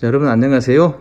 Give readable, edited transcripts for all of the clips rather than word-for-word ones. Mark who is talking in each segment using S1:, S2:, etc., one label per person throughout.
S1: 자, 여러분 안녕하세요.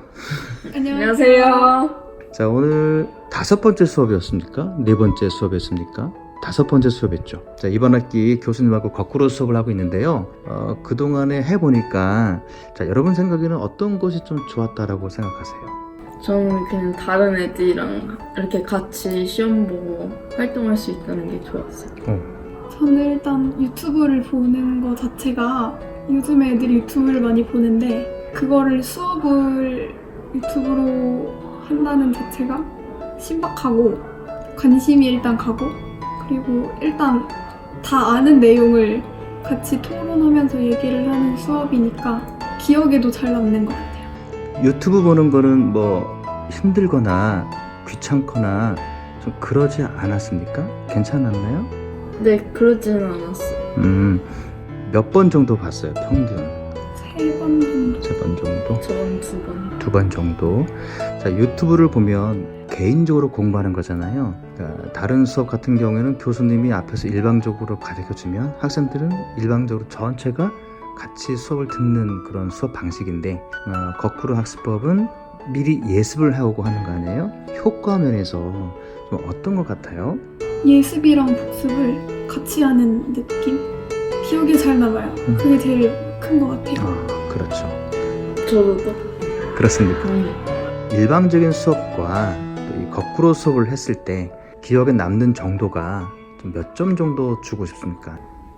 S2: 안녕하세요.
S1: 자, 오늘 5번째 수업이었습니까? 4번째 수업이었습니까? 5번째 수업이었죠. 자, 이번 학기 교수님하고 거꾸로 수업을 하고 있는데요. 그동안에 해보니까 자, 여러분 생각에는 어떤 것이 좀 좋았다라고 생각하세요?
S2: 저는 그냥 다른 애들이랑 이렇게 같이 시험 보고 활동할 수 있다는 게 좋았어요.
S3: 저는 일단 유튜브를 보는 거 자체가 요즘 애들이 유튜브를 많이 보는데 그거를 수업을 유튜브로 한다는 자체가 신박하고 관심이 일단 가고 그리고 일단 다 아는 내용을 같이 토론하면서 얘기를 하는 수업이니까 기억에도 잘 남는 것 같아요.
S1: 유튜브 보는 거는 뭐 힘들거나 귀찮거나 좀 그러지 않았습니까? 괜찮았나요?
S2: 네, 그러지는 않았어요.
S1: 몇 번 정도 봤어요, 평균?
S3: 3번 정도.
S1: 3번 정도?
S2: 저는 2번.
S1: 2번 정도. 자, 유튜브를 보면 개인적으로 공부하는 거잖아요. 그러니까 다른 수업 같은 경우에는 교수님이 앞에서 일방적으로 가르쳐주면 학생들은 일방적으로 전체가 같이 수업을 듣는 그런 수업 방식인데 거꾸로 학습법은 미리 예습을 하고 하는 거 아니에요? 효과 면에서 좀 어떤 것 같아요?
S3: 예습이랑 복습을 같이 하는 느낌? 기억에 잘 남아요. 그게 제일 큰 것 같아요.
S1: 그렇죠.
S2: 저도 또.
S1: 그렇습니까? 일방적인 수업과 또 이 거꾸로 수업을 했을 때 기억에 남는 정도가 몇 점 정도 주고 싶습니까?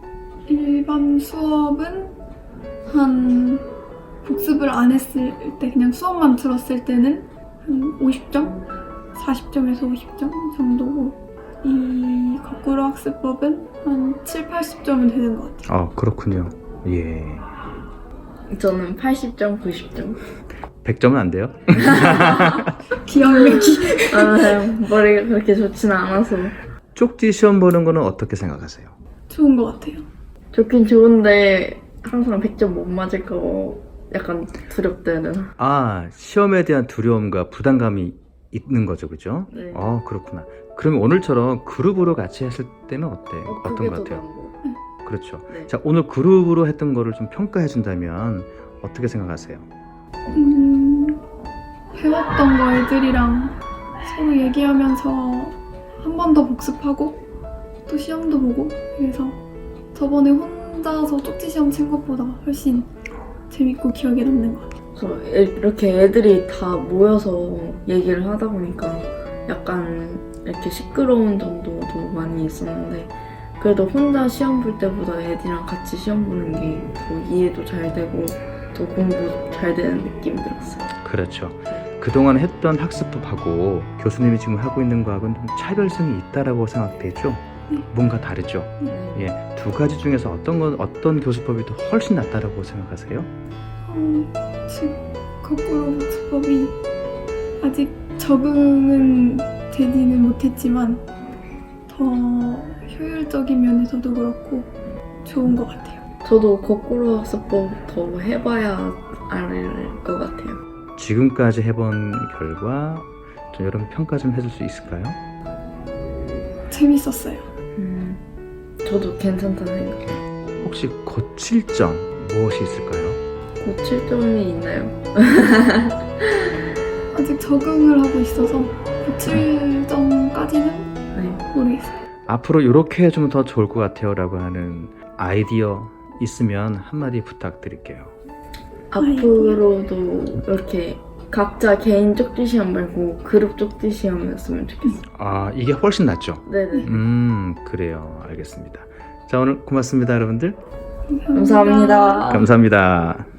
S3: 일반 수업은 한 복습을 안 했을 때 그냥 수업만 들었을 때는 한 50점? 40점에서 50점 정도고 이 거꾸로 학습법은 한 7, 80점은 되는 것 같아요.
S1: 그렇군요. 예.
S2: 저는 80점, 90점.
S1: 100점은 안 돼요?
S3: 기억력이
S2: 머리가 그렇게 좋지는 않아서.
S1: 쪽지 시험 보는 거는 어떻게 생각하세요?
S3: 좋은 것 같아요.
S2: 좋긴 좋은데 항상 100점 못 맞을까 약간 두렵다 해야 되나?
S1: 시험에 대한 두려움과 부담감이 있는 거죠, 그죠?
S2: 네.
S1: 그렇구나. 그러면 오늘처럼 그룹으로 같이 했을 때는 어떤
S2: 그게
S1: 것
S2: 더
S1: 같아요?
S2: 나은 거.
S1: 그렇죠.
S2: 네.
S1: 자, 오늘 그룹으로 했던 거를 좀 평가해 준다면 어떻게 생각하세요?
S3: 배웠던 거 애들이랑 서로 얘기하면서 한 번 더 복습하고 또 시험도 보고 그래서 저번에 혼자서 쪽지 시험 친 것보다 훨씬 재밌고 기억에 남는 것 같아요.
S2: 이렇게 애들이 다 모여서 얘기를 하다 보니까 약간 이렇게 시끄러운 정도도 많이 있었는데 그래도 혼자 시험 볼 때보다 애들이랑 같이 시험 보는 게 더 이해도 잘 되고 더 공부 잘 되는 느낌이 들었어요.
S1: 그렇죠. 그동안 했던 학습법하고 교수님이 지금 하고 있는 거하고는 좀 차별성이 있다라고 생각되죠? 뭔가 다르죠?
S2: 네.
S1: 두 가지 중에서 어떤 교수법이 더 훨씬 낫다라고 생각하세요?
S3: 지금 거꾸로 복습법이 아직 적응은 되지는 못했지만 더 효율적인 면에서도 그렇고 좋은 것 같아요.
S2: 저도 거꾸로 학습법 더 해봐야 알 것 같아요.
S1: 지금까지 해본 결과 좀 여러분 평가 좀 해줄 수 있을까요?
S3: 재밌었어요.
S2: 저도 괜찮다는 생각.
S1: 혹시 고칠 점 무엇이 있을까요?
S2: 고칠 점이 있나요?
S3: 아직 적응을 하고 있어서 고칠 점까지는
S2: 네.
S3: 모르겠어요.
S1: 앞으로 이렇게 해주면 더 좋을 것 같아요 라고 하는 아이디어 있으면 한마디 부탁드릴게요.
S2: 앞으로도 이렇게 각자 개인 쪽지 시험 말고 그룹 쪽지 시험이었으면 좋겠어요.
S1: 이게 훨씬 낫죠?
S2: 네네.
S1: 그래요. 알겠습니다. 자, 오늘 고맙습니다, 여러분들.
S2: 감사합니다.
S1: 감사합니다.